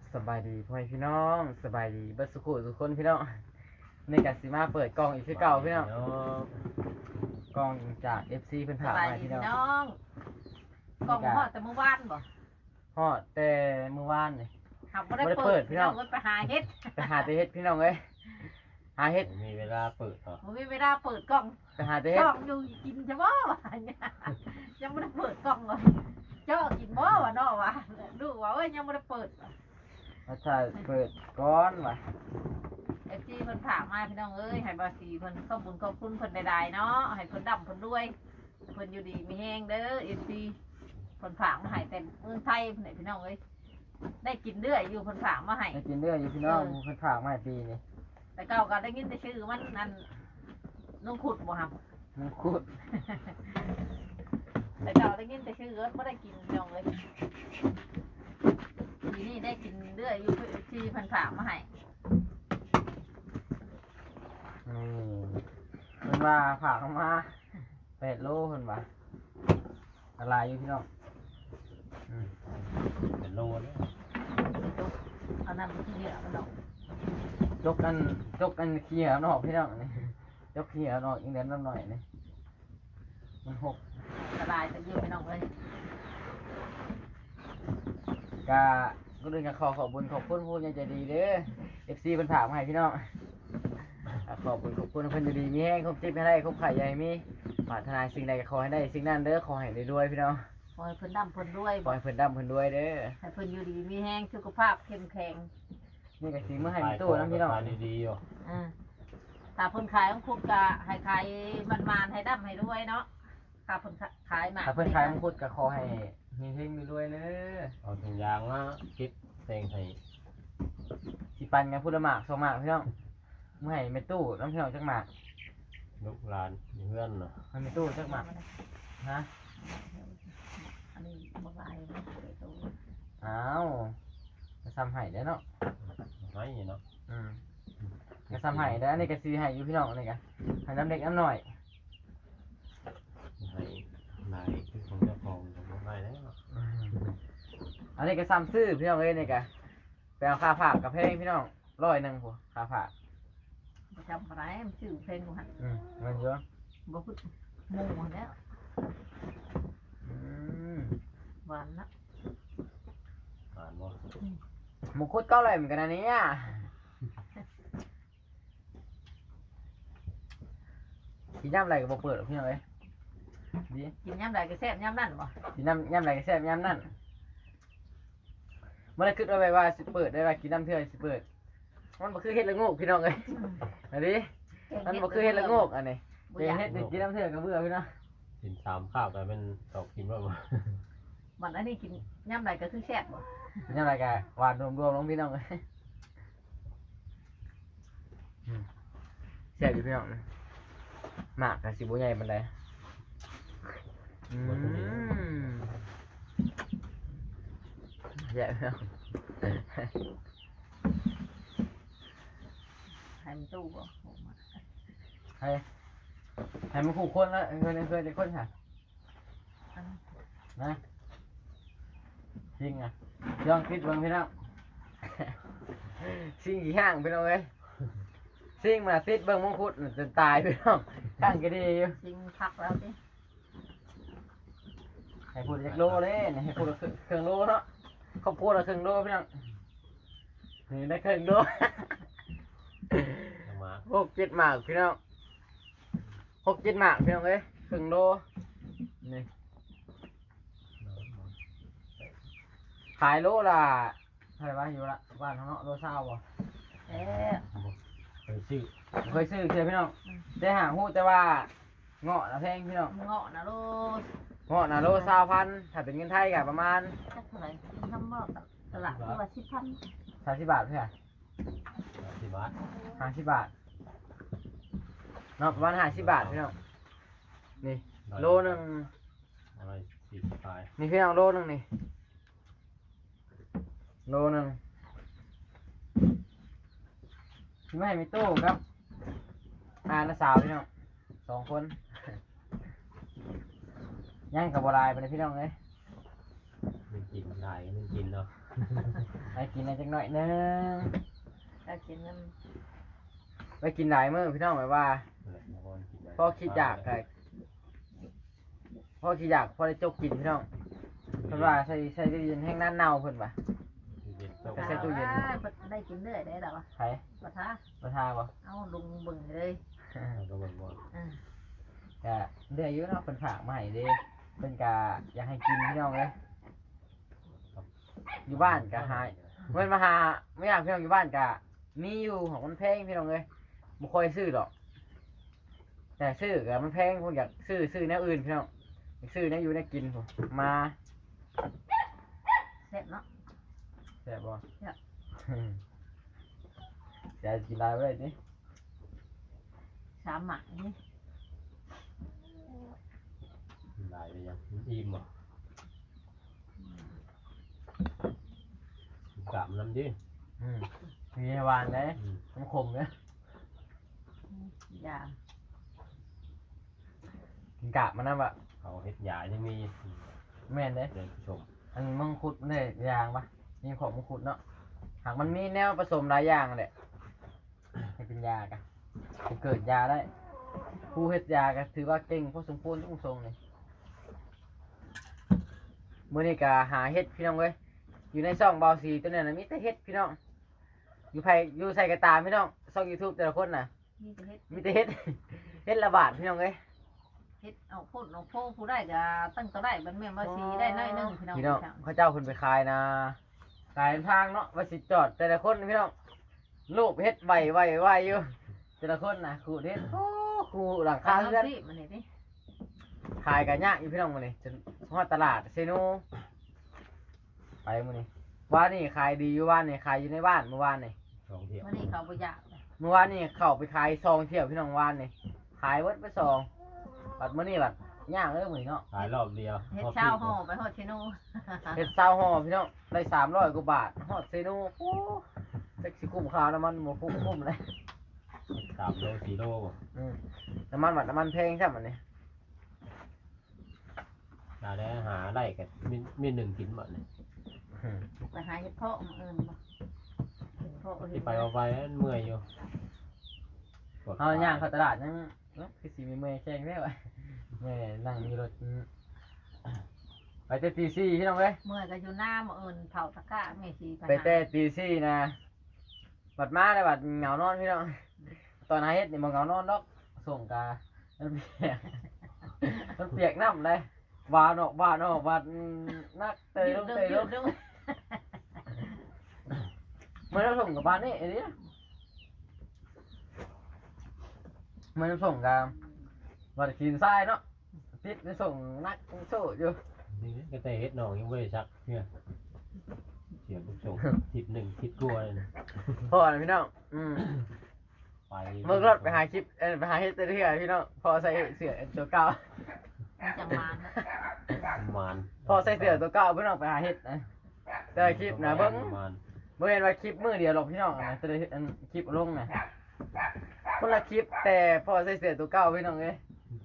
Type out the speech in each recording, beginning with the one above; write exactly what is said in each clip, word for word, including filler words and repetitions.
สบายดีพ่อแม่พี่น้องสบายดีเบัสสุขุทุกคนพี่น้องในกัสิมาเปิดกล่องอีกคือเก่าพี่น้องกล่องจาก เอฟ ซี เพิ่นสถามบายมาดีพี่น้องพี่น้องกล่องฮอดแต่เมื่อวานบ่ฮอดแต่เมื่อวานนี่หักบ่ได้บ่ได้เปิเปิดดพี่พี่น้น้ออง งไปหาเฮ็ดไปหาแต่เฮ็ดพี่น้องเอ้ยหาเฮ็ดมีเวลาเปิดเหรอบ่มีเวลาเปิดกล่องไปหาแต่เฮ็ดช่องอยู่กินจะบ่วะเนี่ยยังบ่ได้เปิดกล่องเลยเจ้ากินบ่วะเนาะวะดูว่าเอ้ยยังบ่ได้เปิดมาถ่ายเปิดก้อนว่ะเอฟซีเพิ่นฝากมาพี่น้องเอ้ยให้บาสีเพิ่นขอบคุญขอบคุณเพิ่นใดๆเนาะให้เพิ่นดำเพิ่นรวยเพิ่นอยู่ดีมีแฮงเด้อเอฟซีเพิ่นฝากมาให้แต่เมืองไทยเพิ่นให้พี่น้องเอ้ยได้กินเรื่อยอยู่เพิ่นฝากมาให้ไปกินเรื่อยอยู่พี่น้องเพิ่นฝากมาให้ปีนี่แต่เก่าก็ได้ยินแต่ชื่อมันนั่นนุ่งขุดบ่ครับมันคุดแต่เก่าได้ยินแต่ชื่อเอิ้นบ่ได้กินน้องเลยทีนี้ได้กินเรื่อยอยู่ที่เพันฝากมาให้นี่เพิ่นว่าฝากเข้ามาแปดโลเพิ่นว่าอะไรอยู่พี่น้องอืมเป็นโลเนี่ยเอาน้ำไปที่เหลือมันดอกยกกันยกกันขี้เหรอนอกพี่น้องนี่ยกขี้เหรอนอกอีกเด่นน้ำหน่อยนี่มันหกละลายแต่เยอะไปน้องเลยกาก็เลยกขอขอบคุญขอบคุณผู้ยังใจดีเด้อเอฟซีเพิ่นถามมาให้พี่น้องอ่ะขอบคุณขอบคุณเพิ่นอยู่ดีมีแห้งครบจิ๊บให้ได้ครบไข่ใหญ่มีปรารถนาสิ่งใดก็ขอให้ได้สิ่งนั้นเด้อขอให้ได้รวยพี่น้องขอให้เพิ่นดำเพิ่นรวยขอให้เพิ่นร่ำเพิ่นรวยเด้อให้เพิ่นอยู่ดีมีแห้งสุขภาพเข้มแข็งนี่ก็สิมื้อให้มีตู้นํพี่น้องขายดีๆอยู่อ่าถ้าเพิ่นขายของคุณก็ให้ขายมันๆให้ดำให้รวยเนาะถ้าเพิ่นขายมาถ้าเพิ่นขายมังคุดก็ขอให้มีเฮงมีรวยเด้อเอาถุงยางมาคิดเต็งให้สิปันกันพุทธมากสองมากพี่น้องมื้อให้แม่ตู้น้ำพี่น้องจักหมากลูกหลานเพื่อนเนาะให้แม่ตู้จักหมากฮะอันนี้บ่ลายนะเดี๋ยวดูอ้าวจะซ้ำให้ได้อเนาะให้เนาะอืมก็ซ้ำให้ได้ออันนี้ก็สิให้อยู่พี่น้องนี่ก็ให้น้ำเล็กน้ำน้อยให้นายคือของเจ้าของจะให้แล้วอันนี้ก็ซ้ำซื้อพี่น้องเอ้ยนี่ก็ไปเอาค่าฝากกับเพลงพี่น้องร้อยหนึ่งผัวค่าฝากบ่จำอะไรมันชื่อเพลงบ่หั่นอืมเงินเยอะบ่พูดหมู่แล้วอืมหวานนะอ่านว่าหมูคุดก็อร่อยเหมือนกันนะเนี่ยกินย่ำอะไรกับบเปิดหรอกพี่น้องเอ้ยดีกินยามใดก็แซ่บยามนั้นบ่กินน้ำย่ำอะไรก็แซ่บย่ำนั่นเมื่อไรคิดเอาไว้ว่าสิเปิดได้ว่ากินน้ำเทื่อสิเปิดมันบ่คือเฮ็ดละโงกพี่น้องเอ้ยอันนี้มันบ่คือเฮ็ดละโงกอันนี้บ่เป็นอยากเฮ็ดกินน้ำเทื่อกับเบื่อพี่น้องกินสามข้าวแต่เป็นตอกกินว่ามามันอันนี้กินยามใดก็คือแซ่บบ่กินย่ำอะไรกันหวานรวมๆลงพี่น้องเอ้ยอืมแซ่บอยู่พี่น้องหมากกับสิบุใหญ่ปานใดอืมแซ่บพี่น้องให้มันตู้บ่โอ้มาให้ให้มันคู่คนแล้วเคยเคยได้คนค่ะอันนั้นนะจริงอ่ะย่องคิดเบิ่งพี่น้อง ซิ่งกี่ห้างพี่น้องเอ้ยซิ่งมาติดเบิ่งมงคุดจนตายพี่น้องข้างก็ดีอยู่จริงพักแล้วสิให้พูดจากโลเลยนี่ให้พูดละครึ่งโลเนาะเขาพูดละครึ่งโลพี่น้องนี่ได้ครึ่งโลจะมาหกเจ็ดหมากพี่น้องหกเจ็ดหมากพี่น้องเอ้ยครึ่งโลนี่ขายโลละเท่าไหร่วะอยู่ละบ้านเขาเนาะโลเศร้าบ่เอ๊ะเคยชื่อเคยซื้อเคยพี่น้องได้หางหูแต่ว่าเงาะนะแพงพี่น้องเงาะนะโลเงาะนะโลเศร้าพันถ้าเป็นเงินไทยก็ประมาณจักเท่าไหร่ทำบ่ตลาดที่ว่าสิบพันสามสิบบาทเพื่อสิบบาทห้าสิบบาทเนาะประมาณห้าสิบบาทพี่น้องนี่โลหนึ่งอะไรสี่ปลายนี่พี่น้องโลหนึ่งนี่โลหนึ่งไม่ให้มีตู้ครับอาณาสาวพี่น้องสองคนย่างกับบลายไปเลยพี่น้องเลยมันกินได้มันกินเนาะนาะไปกินอะไรจังหน่อยหนึงถ้ากินน้ไปกินหลายมื้อพี่น้องแบบว่านั่นแหละแล้วก็กินได้พ่อคิดอยากก็พ่อคิดอยากพ่อได้จกกินพี่น้องเพิ่นว่าใส่ใส่ตู้เย็นแห้งน้ำเน่าเพิ่นว่าเย็นำเจ้าก็ใส่ตู้เย็นได้กินเรื่อยได้หรอวะไผปะทะบ่ทาบ่เอาลุงเบิ่งเลยก็มันว่าอ่าก็เดือยอยู่เนาะเพิ่นฝากมาให้เด้เพิ่นก็อยากให้กินพี่น้องเลยอยู่บ้านก็หายเพิ่นมาหาไม่อยากพี่น้องอยู่บ้านก็มีอยู่ของมันแพงพี่น้องเอ้ยบ่ค่อยซื้อหรอก แต่ซื้อก็มันแพงพวกอยากซื้อซื้อแนวอื่นพี่น้องอยากซื้อแนวอยู่แนวกินผมมาแซ่บเนาะแซ่บบ่แซ่บจะกินได้บ่ได้ติสามหมักนี่หลายไปยังอิ่มอ่ะกลับน้ำดิอืมมีให้หวานเด้อืมน้ำขมเด้ยากินกาบมันนำบ่เขาเฮ็ดยายังมีแม่นเด้เดินผู้ชมอันมังคุดมันได้ยางปะมีของมังคุดเนาะหากมันมีแนวผสมหลายอย่างแหละให้เป็นยากะจะเกิดยาได้ ผู้เฮ็ดยาก็ถือว่าเก่งพอสมควรทุกทรงเลยมื้อนี้ก็หาเฮ็ดพี่น้องเว้ยอยู่ในช่องเบาสีตัวนั้นน่ะมีแต่เฮ็ดพี่น้องอยู่ไผอยู่ใส่กระตามพี่น้องช่อง YouTube แต่ละคนน่ะนี่จะเฮ็ดมีแต่เฮ็ด เฮ็ดละบาทพี่น้องเอ้ยเฮ็ดเอาโพดเอาโพผู้ได้ก็ตั้งก็ได้มันแม่นว่าสีได้น้อยหนึงพี่น้องพี่น้องเขาเจ้าเพิ่นไปขายนะขายทางเนาะว่าสิจอดแต่ละคนพี่น้องลูกเฮ็ดไวไวไวอยู่แต่ละคนน่ะขูดเฮ็ดโอ้ขูดหลังคาข้าวเรือนรีบมันนี่ดิขายกันยากอยู่พี่น้องมื้อนี้จนฮอดตลาดเซโนไปมื้อนี้วานนี่ขายดีอยู่วานนี่ขายอยู่ในบ้านเมื่อวานนี่สองเที่ยวมันนี่เขาบ่อยากเลยเมื่อวานนี่เข้าไปขายซองเที่ยวพี่น้องวานนี่ขายเบิดไปซองบัดมื้อนี้บัดย่างเลยมื้อนี้เนาะขายรอบเดียวเฮ็ดเช้าห่อไปฮอดเชโนเฮ็ดซาวห่อพี่น้องได้สามร้อยกว่าบาทฮอดเซโนโอ้จักสิคุ้มค่าน้ำมันบ่คุ้มคุ้มเลยสามโลสี่โลอืมน้ำมันบัดน้ำมันแพงใช่ไหมเนี่ยดาได้หาได้กันมีมีหนึ่งกินหมดเลยไปหาเฮ็ดเพาะมาเอิ้นบ่เฮ็ดเพาะเฮ็ที่ดไปเอาไปเมื่อยอยู่ปวดเอาย่างเข้าตลาดยังเนาะคือสีมีเมย์แข่งได้วะแม่นั่งมีรถอืมไปแต่ตีสี่พี่น้องเว้ยเมื่อยก็อยู่หน้ามาเอิ้นเผาตะกร้าแม่สิไปแต่ตีสี่นะบัดมาได้บัดเหงานอนพี่น้องตอนหาเฮ็ดนี่บ่เหงานอนดอกส่งกามันเปียก มันเปียกน้ำเลยบานออกบานออกบานนักเตยลงเตยลงดึงมันต้องส่งกับบ้านนี่ไอ้นี่มันต้องส่งกับวัดขีนทรายเนาะติดไปส่งนักโซ่อยู่นี่ก็แต่เฮ็ดหนองยังไม่ได้ซักเนี่ยเสียผู้ชมทิศหนึ่งทิศกลัวเลยนะพ่อนะพี่น้องอืมไปเมื่อรถไปหาคลิปเออไปหาเฮ็ดเรื่อยๆพี่น้องพอใส่เสื้อตัวเก่ามันจังมานนะประมาณพอใส่เสื้อตัวเก่าพี่น้องไปหาเฮ็ดนะแต่คลิปนะเบิ่งประมาณเมื่อเห็นว่าคลิปมือเดียวหรอกพี่น้องนะจะได้อันคลิปลงนะคนละคลิปแต่พอใส่เสื้อตัวเก่าพี่น้องเอ้ย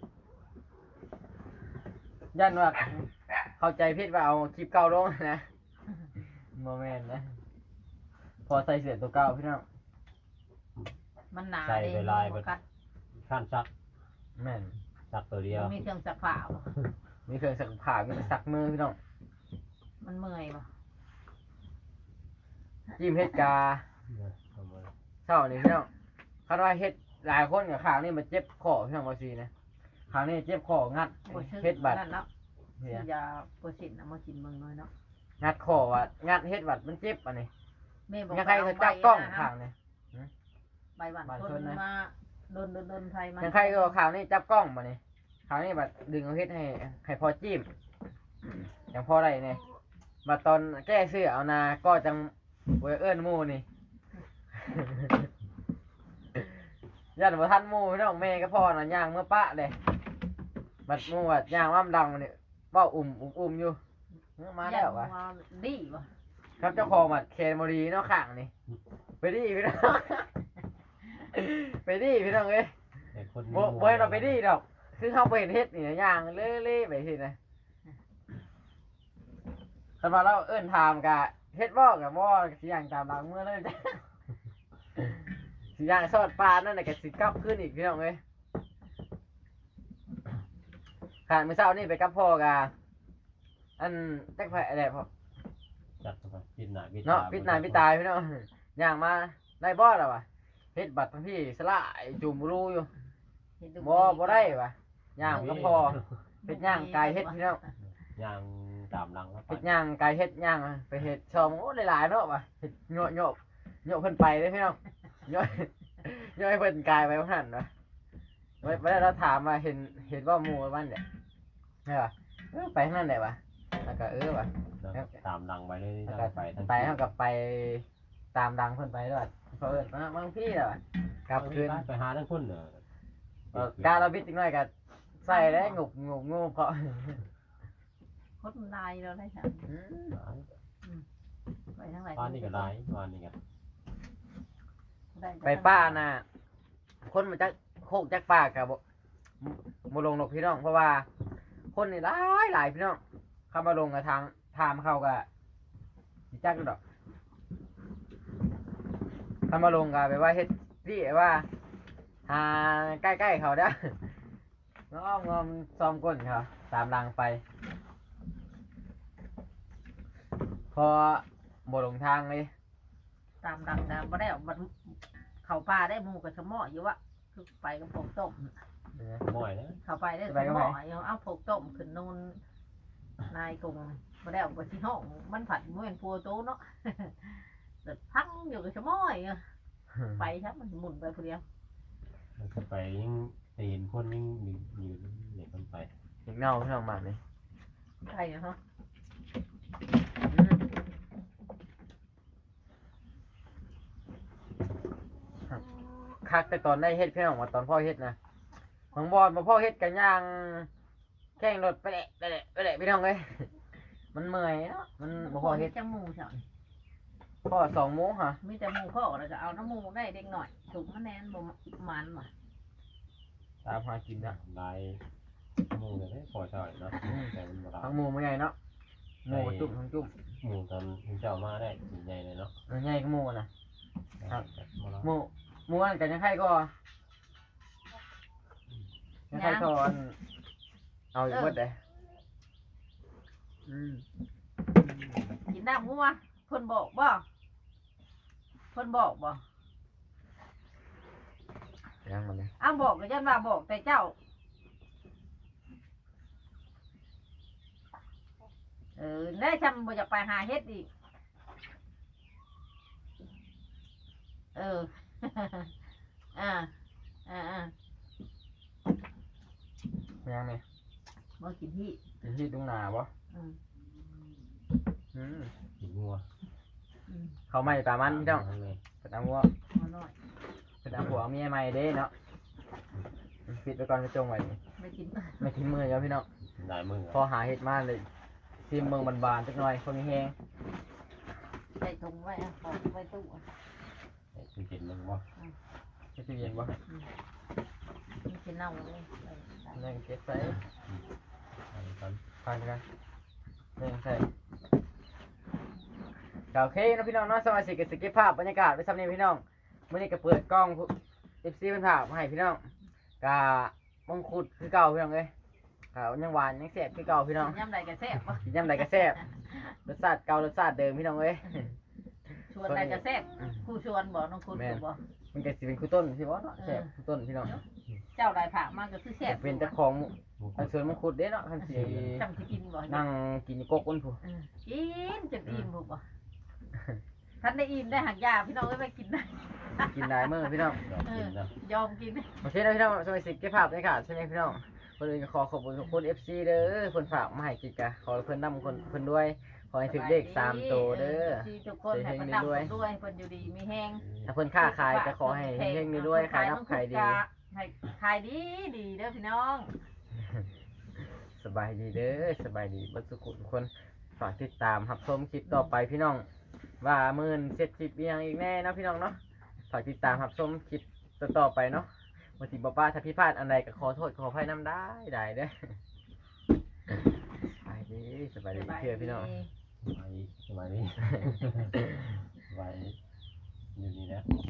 ยันว่าเข้าใจผิดว่าเอาคลิปเก่าลงนะโมเมนต์นะพอใส่เสื้อตัวเก่าพี่น้องมันหนาใส่เด้ไปลายไปบ่กัดขั้นซักแม่นซักตัวเดียวมันมีเครื่องซักผ้าบ่มีเครื่องสักผ้ามีสักมือพี่น้องมันเมื่อยบ่จิ้มเฮ็ดกาประมาณเช้านี่พี่น้องคาดว่าเฮ็ดหลายคนกับข้างนี่มันเจ็บคอพี่น้องว่าซีนะข้างนี่เจ็บคองัดบ่ชื่อเฮ็ดบัดนั่นเนาะเนี่ซื้ยอยาโปรสินเอามากินเบิ่งหน่อยเนาะงัดคอว่างัดเฮ็ดบัดมันเจ็บอันนี้แม่บอกยังใครเขาจับกล้องข้างนี่ใบหวานบ้านคชนนนะมาโดนโดนโดนไทยมายังใครก็ข้างนี่จับกล้องมานี่ข้างนี่บัดดึงเอาเฮ็ดให้ให้พอจิ้มอย่างพอได้นี่บัดตอนแก้เสื้อเอานาก็จังบ่เอิ้นหมู่นี่ ยันบ่ทันหมู่พี่น้องแม่ก็พ่อน่ะย่างเมื่อปะเด้บัดหมู่ว่าย่างว่ามดังนี่เว้าอุ่มอุ่มอุ่มอยู่เออมาแล้ววะย่าดีวะครับเจ้าของบัดเคนบ่ดีเนาะข้างนี่ไปดิพี่น้อง ไปดิพี่น้องเอ้ยแต่คนบ่บ่ให้เราไปดิดอกคือเฮาบ่เห็นเฮ็ดนี่นะย่างเล่ๆไปสินะคันว่าเราเอิ้นถามกะเฮ็ดบ่กับบ่สิย่างตามหลังมือเลยจ้ะสิย่างสอดปลานั่นน่ะก็สิกลับขึ้นอีกพี่น้องเอ้ยขาดมื้อเช้านี่ไปกับพ่อกะอันจักไผอะไรพ่อจัดเข้าไปปิดหน้าปิดตาเนาะปิดหน้าปิดตาพี่น้องย่างมาได้บ่ล่ะวะเฮ็ดบัตรทั้งพี่สลายจุ่มรูอยู่เห็นดูบ่บ่ได้วะย่างก็พอเฮ็ดย่างไก่เฮ็ดพี่น้องย่างตามหลังเข้าไปเฮ็ดย่างไก่เฮ็ดย่างไปเฮ็ดชอมโอ้หลายๆเนาะวะเฮ็ดโยะโยะโยะเพิ่นไปเด้อพี่น้องโยะโยะให้เพิ่นกายไปว่าหั่นวะไว้ไว้เราถามว่าเห็นเห็นว่าหมู่บ้านเนี่ยใช่ป่ะเออไปทางนั้นได้ปะแล้วก็เออว่ะแล้วตามหลังไปเลยแล้วทาก็งไปทางไปเฮากับไปตามดังเพิ่นไปด้วยเพราะเอิ้นมาบางพี่แล้วอะกลับคืนไปหาทั้งคนเด้อเออการเราบิดจังหน่อยก็ใส่ได้งุบงุบงูเพราะคนลายเราได้ค่ะอืมไปทางไหนบ้านนี่ก็ได้บ้านนี่ก็ไปป้าน่ะคนมาจากโคกจากป่ากับบ่บ่ลงนกพี่น้องเพราะว่า คนนี่หลายหลายพี่น้องเข้ามาลงกับทางทามเขาก็สิจักอยู่ดอกเข้ามาลงก็ไปว่าเฮ็ดพี่ว่าหาใกล้ๆเขาเด้อง้อมงอมซ้อมก้นเขาตามรางไป พอบ่ลงทางเลยตามดังนะบ่ได้เอามันเข้าป่าได้หมูกับสมออยู่วะคือไปกับผงต้มบ่อยนะเข้าไปได้สมออยู่เอาผงต้มขึ้นนูนนายกงบ่ได้เอาไปที่ห้องมันผัดเหมือนพัวโตเนาะ เดือดพังอยู่กับสมออยู่ไปครับมันหมุนไปคนเดียวมันก็ไปยิ่งเห็นคนยิ่งอยู่อยู่เด็กคนไปอีกเงาพี่น้องมาเลยใช่เนาะคักแต่ตอนได้เฮ็ดพี่น้องว่าตอนพ่อเฮ็ดนะบางบอนมาพ่อเฮ็ดกันย่างแข่งรถไปแหละไปแหละไปแหละพี่น้องเอ้ย มันเมื่อยเนาะมันบ่พอเฮ็ดจมูกเฉยพ่อสองโมงฮะมีแต่หมูพ่อแล้วก็เอาน้ำหมูได้เด็กหน่อยถุงมะแนนบ่มันว่ะตามหากินนะลายหมูเนี่ยพอใช่เนาะแต่มันบ่ทั้งหมูมันใหญ่เนาะหมูจุ่มทั้งจุ่มหมูตอนเจ้ามาได้ใหญ่เลยเนาะมันใหญ่ก็หมูนะครับหมูหมูอันกันยังไงก็ยังไงก็อันเอาอีกเบิดเลยอืมกินน้ำงัวเพิ่นบอกบ่เพิ่นบอกบ่ยังมันเลยอ้าวบอกก็ยันว่าบอกแต่เจ้าเออได้จำบ่อยากไปหาเฮ็ดอีกเออ อ่าอ่าอ่ายังเนี่ยบ่กินที่กินที่ตรงหนาบ่อืมอืมกินงัวอืมเขาไม่ปลามันพี่น้องเลยเป็นเอาวัวมาหน่อยเป็นเอาหัวเอาเมียใหม่เด้เนาะปิดไปก่อนกระจงไว้นี่ไม่กินไม่ทิ้งมือแล้วพี่น้องได้มือพอหาเห็ดมาเลยซีมเมืองบานๆจักหน่อยคนมีแฮงใส่ถุงไว้อ่ะบอกไว้ตู้อ่ะกินกินมึงบ่ไม่ใช่เย็นบ่ไม่กินเน่าเลยเออได้นั่งเก็บใส่ตอนผ่านกันนั่งใส่ก็โอเคเนาะพี่น้องเนาะสมาชิกก็สิเก็บภาพบรรยากาศไว้ซ้ำนี้พี่น้องมื้อนี้ก็เปิดกล้อง เอฟ ซี เพิ่นภาพมาให้พี่น้องก็มงคุดคือเก่าพี่น้องเอ้ยก็ยังหวานยังแซ่บคือเก่าพี่น้องย่ำใดก็แซ่บบ่กินยำใดก็แซ่บรสชาติเก่ารสชาติเดิมพี่น้องเอ้ยชวนใดก็แซ่บคู่ชวนบ่น้องคุณถูกบ่มันก็สิเป็นคู่ต้นสิบ่เนาะแซ่บคู่ต้นพี่น้องเจ้าได้ผักมากก็คือแซ่บเป็นเจ้าของอันสวนมังคุดเด้เนาะคันสิจำสิกินบ่นั่งกินกกอ้นผู้เออกินจนอิ่มถูกบ่ท่านได้อิ่มได้หักยาพี่น้องเอ้ยไปกินได้กินได้มื้อพี่น้องกินนะยอมกินโอเคนะพี่น้องสมัยสิเก็บภาพได้ค่ะใช่ไหมพี่น้องคนอื่นก็ขอขอบคุณทุกคน เอฟ ซี เด้อคนฝากมาให้กิจกะขอให้เพิ่นนำคนเพิ่นด้วยขอให้ถึงเลขสามตัวเด้อที่ทุกคนให้ประดับด้วยเพิ่นอยู่ดีมีแห้งถ้าเพิ่นค้าขายก็ขอให้เฮงๆด้วยขายรับขายดีให้ขายดีดีเด้อพี่น้องสบายดีเด้อสบายดีเบ่ทุกคนทุกคนฝากติดตามรับชมคลิปต่อไปพี่น้อง ว่ามื่นเสร็จคลิปอีหยังอีกแน่เนาะพี่น้องเนาะฝากติดตามรับชมคลิปต่อๆไปเนาะวันที่บ่ป้าถ้าผิดพลาดอันใดก็ขอโทษขออภัยนํได้ได้เด้อสบายดีสบายดีเชื่อพี่น้องสบายดีสบายดีไว้อยู่นี่นะ